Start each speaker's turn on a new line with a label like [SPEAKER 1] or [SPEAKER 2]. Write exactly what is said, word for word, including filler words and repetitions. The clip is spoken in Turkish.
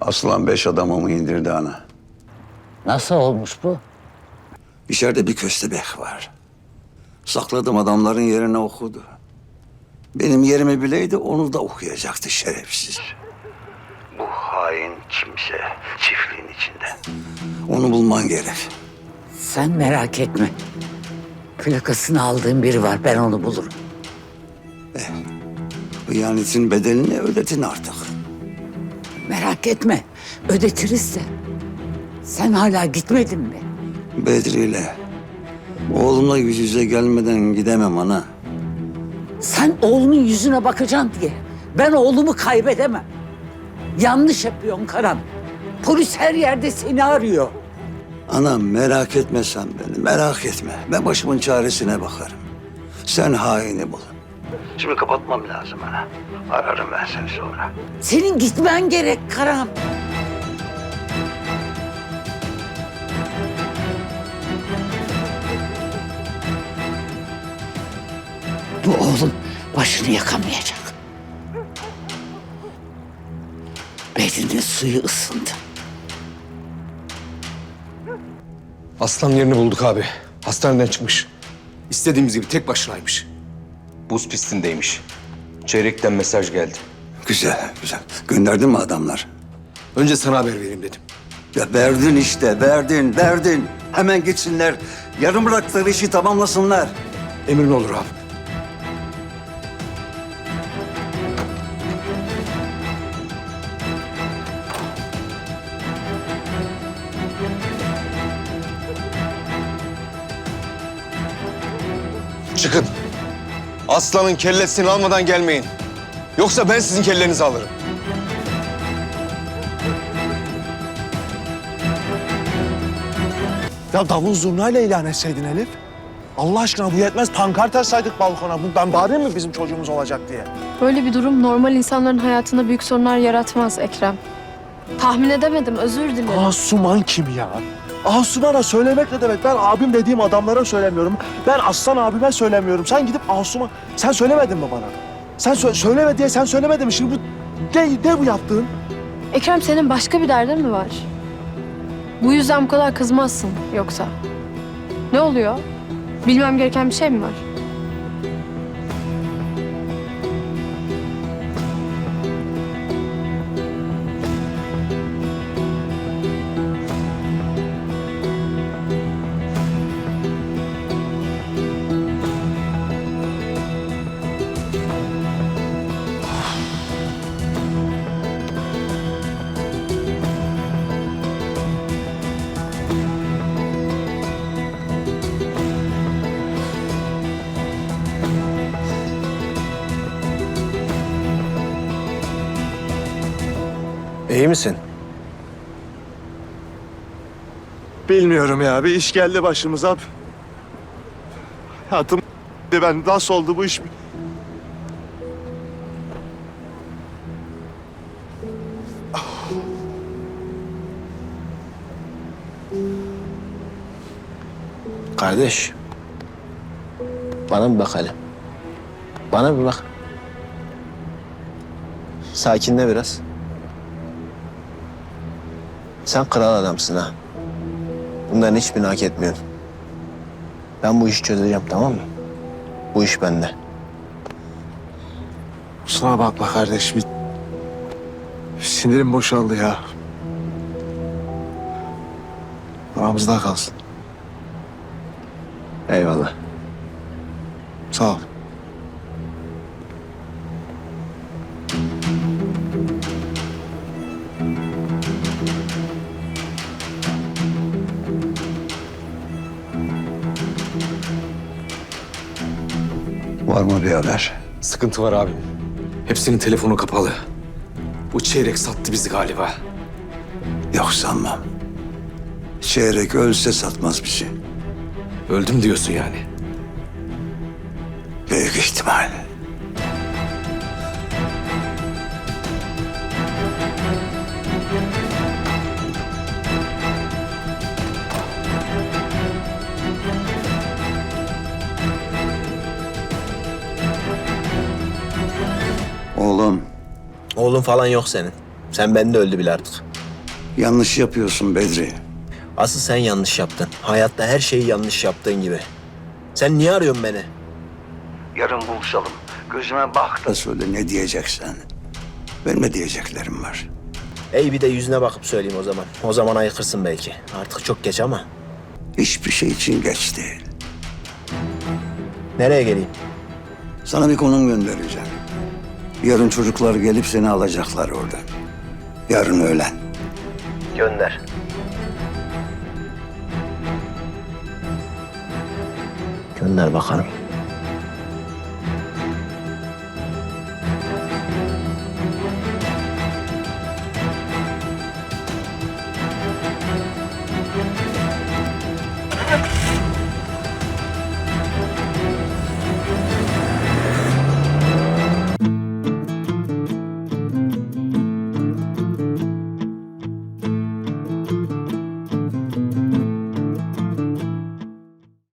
[SPEAKER 1] Aslan beş adamımı indirdi ana.
[SPEAKER 2] Nasıl olmuş bu?
[SPEAKER 1] İçeride bir köstebek var. Sakladım adamların yerine okudu. Benim yerimi bileydi onu da okuyacaktı şerefsiz. Bu hain kimse çiftliğin içinde. Onu bulman gerek.
[SPEAKER 2] Sen merak etme. Plakasını aldığım biri var. Ben onu bulurum.
[SPEAKER 1] Hıyanetin bedelini ödetin artık.
[SPEAKER 2] Merak etme. Ödetiriz de. Sen hala gitmedin mi?
[SPEAKER 1] Bedri'yle oğlumla yüz yüze gelmeden gidemem ana.
[SPEAKER 2] Sen oğlumun yüzüne bakacaksın diye. Ben oğlumu kaybedemem. Yanlış yapıyorsun Karan. Polis her yerde seni arıyor.
[SPEAKER 1] Ana merak etme sen beni, merak etme. Ben başımın çaresine bakarım. Sen haini bul. Şimdi kapatmam lazım ana. Ararım ben seni sonra.
[SPEAKER 2] Senin gitmen gerek Karan. Bu oğlum başını yakamayacak. Bedrinin suyu ısındı.
[SPEAKER 3] Aslan yerini bulduk abi. Hastaneden çıkmış. İstediğimiz gibi tek başınaymış.
[SPEAKER 4] Buz pistindeymiş. Çeyrekten mesaj geldi.
[SPEAKER 1] Güzel, güzel. Gönderdin mi adamlar?
[SPEAKER 3] Önce sana haber vereyim dedim.
[SPEAKER 1] Ya verdin işte, verdin, verdin. Hemen gitsinler. Yarım bıraktıkları işi tamamlasınlar.
[SPEAKER 3] Emrin olur abi. Çıkın. Aslanın kellesini almadan gelmeyin. Yoksa ben sizin kellenizi alırım.
[SPEAKER 5] Ya davul zurnayla ilan etseydin Elif. Allah aşkına bu yetmez. Pankart açsaydık balkona. Ben bağırayım mı bizim çocuğumuz olacak diye?
[SPEAKER 6] Böyle bir durum normal insanların hayatında büyük sorunlar yaratmaz Ekrem. Tahmin edemedim, özür dilerim.
[SPEAKER 5] Asuman kim ya? Asuman'a söylemek ne demek? Ben abim dediğim adamlara söylemiyorum. Ben Aslan abime söylemiyorum. Sen gidip Asuman... Sen söylemedin mi bana? Sen sö söyleme diye sen söylemedin mi? Şimdi bu... Ne, ne bu yaptığın?
[SPEAKER 6] Ekrem, senin başka bir derdin mi var? Bu yüzden bu kadar kızmazsın yoksa. Ne oluyor? Bilmem gereken bir şey mi var?
[SPEAKER 3] İyi misin?
[SPEAKER 5] Bilmiyorum ya. Bir iş geldi başımıza. Hayatım ben nasıl oldu bu iş?
[SPEAKER 7] Kardeş, bana bir bak hele. Bana bir bak. Sakinle biraz. Sen kral adamsın ha. Bunların hiçbirini hak etmiyorsun. Ben bu işi çözeceğim, tamam mı? Bu iş bende.
[SPEAKER 5] Kusura bakma kardeş. Bir... Sinirim boşaldı ya. Aramızda kalsın.
[SPEAKER 7] Eyvallah.
[SPEAKER 5] Sağ ol.
[SPEAKER 1] Var mı bir haber?
[SPEAKER 3] Sıkıntı var abim. Hepsinin telefonu kapalı. Bu çeyrek sattı bizi galiba.
[SPEAKER 1] Yok sanmam. Çeyrek ölse satmaz bizi.
[SPEAKER 3] Öldüm diyorsun yani.
[SPEAKER 1] Büyük ihtimal. Oğlum.
[SPEAKER 7] Oğlun falan yok senin. Sen bende öldü bile artık.
[SPEAKER 1] Yanlış yapıyorsun Bedri.
[SPEAKER 7] Asıl sen yanlış yaptın. Hayatta her şeyi yanlış yaptığın gibi. Sen niye arıyorsun beni?
[SPEAKER 1] Yarın buluşalım. Gözüme bak da söyle ne diyeceksen. Benim de diyeceklerim var.
[SPEAKER 7] Ey bir de yüzüne bakıp söyleyeyim o zaman. O zaman ayıkırsın belki. Artık çok geç ama.
[SPEAKER 1] Hiçbir şey için geç değil.
[SPEAKER 7] Nereye geleyim?
[SPEAKER 1] Sana bir konum göndereceğim. Yarın çocuklar gelip seni alacaklar oradan. Yarın öğlen.
[SPEAKER 7] Gönder. Gönder bakalım.